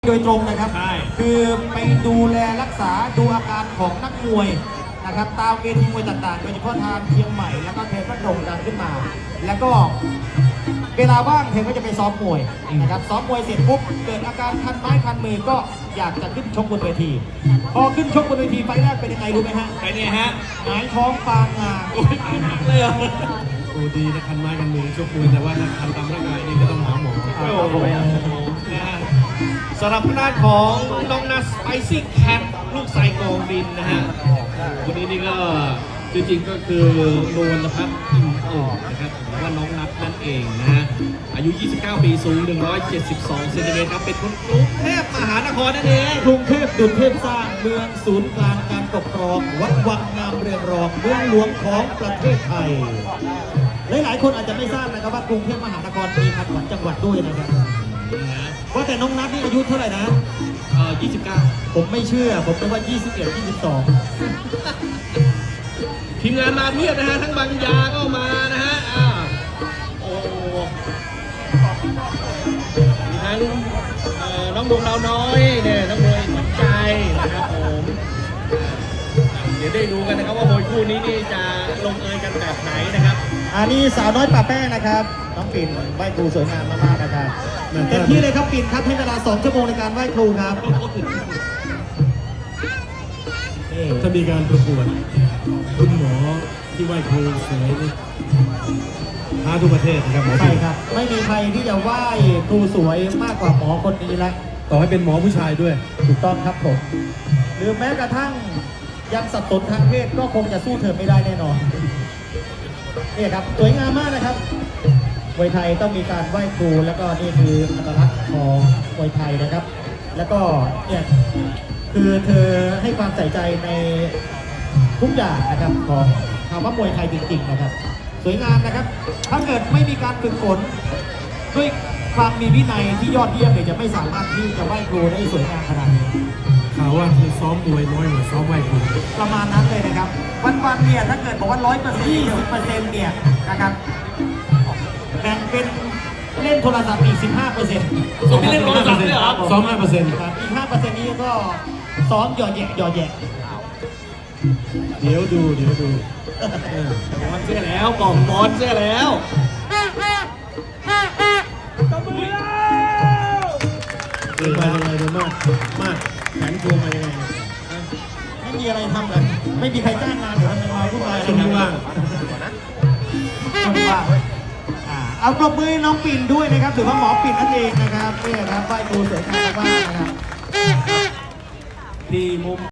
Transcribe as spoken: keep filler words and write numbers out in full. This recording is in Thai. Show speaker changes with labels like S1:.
S1: โดยตรงนะครับ
S2: ใช่
S1: คือไปดูแลรักษาดูอาการของนักมวยนะครับตามเวทีมวยต่างๆโดยเฉพาะทางเชียงใหม่แล้วก็เทพก็โด่งดังขึ้นมา แล้วก็เวลาว่างเทพก็จะไปซ้อมมวยนะครับซ้อมมวยเสร็จปุ๊บเกิดอาการคันไม้คันมือก็อยากจะขึ้นชกบนเวที พอขึ้นชกบนเวทีไฟแรกเป็นยังไงรู้ไหมฮะ
S2: ไปเนี่ยฮะ
S1: หงายท้องปางงา
S2: โอ้ยเลยเหรอ
S3: โอ้ดีนะคันไม้คันมือชกมวยแต่ว่าถ้าคันตามร่างกายนี่ก็ต้องหาหมอ
S2: โอ้โหนะฮะสำหรับหน้านของน้องนัสไปซี่แคทลูกสายกองดินนะฮะคนนี้นี่ก็จริงๆก็คือนวลพัฒน์อินโอ่งนะครับหรือว่าน้องนัทนั่นเองนะฮะอายุ ยี่สิบเก้า ปีสูง หนึ่งร้อยเจ็ดสิบสอง เซนติเมตรครับเป็นคนกรุงเทพมหานครนั่นเอง
S1: กรุงเทพดุจเทพสร้างเมืองศูนย์กลางการปกครองวัดวังงามเรืองรองเมืองหลวงของประเทศไทยหลายๆคนอาจจะไม่ทราบนะครับว่ากรุงเทพมหานครมีขับขวัญจังหวัดด้วยนะครับว่าแต่น้องนัทนี่อายุเท่าไหร่นะ
S2: เอ่อยี่สิบเก้า
S1: ผมไม่เชื่อผมนึกว่ายี่สิบเอ็ด ยี่สิบสอง
S2: ทีมงานมาเพียบนะฮะทั้งบางยาก็มานะฮะอ่าโอ้มีทั้งเอ่อน้องดวงดาวน้อยเนี่ยน้องมวยขวัญใจนะครับผมเดี๋ยวได้รู้กันนะครับว่ามวยคู่นี้นี่จะลงเอยกันแบบไหนนะครับ
S1: อันนี้สาวน้อยป่าแป้งนะครับน้องปิ่นไหว้ครูสวยงามมากๆนะครับเต็มที่เลยครับปิ่นครับให้เวลาสองชั่วโมงในการไหว้ครูครับนี่
S3: ถ้ามีการประกวดคุณหมอที่ไหว้ครูสวยนี่ท้าทุกประเทศนะครับหมอ
S1: ใช่ครับไม่มีใครที่จะไหว้ครูสวยมากกว่าหมอคนนี้แล้ว
S3: ต่อให้เป็นหมอผู้ชายด้วย
S1: ถูกต้องครับผมหรือแม้กระทั่งยังสับสนทางเพศก็คงจะสู้เธอไม่ได้แน่นอนนี่ครับสวยงามมากนะครับมวยไทยต้องมีการไหว้ครูแล้วก็นี่คืออัตลักษณ์ของมวยไทยนะครับ แล้วก็เนี่ยคือเธอให้ความใส่ใจในทุกอย่างนะครับของคำว่ามวยไทยจริงๆนะครับ สวยงามนะครับ ถ้าเกิดไม่มีการฝึกฝนด้วยความมีวินัยที่ยอดเยี่ยมเนี่ยจะไม่สามารถที่จะไหว้ครูได้สวยงามขนาดนี้
S3: ข่าวว่าเธอซ้อมมวยน้อยกว่าซ้อมไหว้ครู
S1: ประมาณนั้นเลยนะครับ วันๆเนี่ยถ้าเกิดบอกว่าร้อยเปอร์เซ็นต์ยี่สิบเปอร์เซ็นต์เนี่ยนะครับแบ่งเป็นเล่นโทรศัพท์อีกสิบห้าเปอร์เซ็นต์
S2: ผมไม่เล่นโทรศัพท์ด้วยเหรอ
S3: ซ้อมห้าเปอร์เซ็นต์
S1: ครับอีกห้าเปอร์เซ็นต์นี้ก็ซ้อมหยอดแยะหยอดแยะ
S3: เดี๋ยวดูเดี๋ยวดู
S2: บอลเสื้อแล้วบอกบอลเสื้อแล้วตบมือแล้ว
S3: เดินมายังไงเดินมากมากแขนโคงมายังไง
S1: ไม่มีอะไรทำเลยไม่มีใครจ้างงานหรือทำงานผู้ชาย
S3: ช่วงนี้ว่าง
S1: ช่วงนี้ว่างอ่าเอาปรบมือให้น้องปิ่นด้วยนะครับถือว่าหมอปิ่นนั่นเองนะครับนี่นะครับไหว้ครูสวยงามมากๆนะครับ
S2: ที่มุม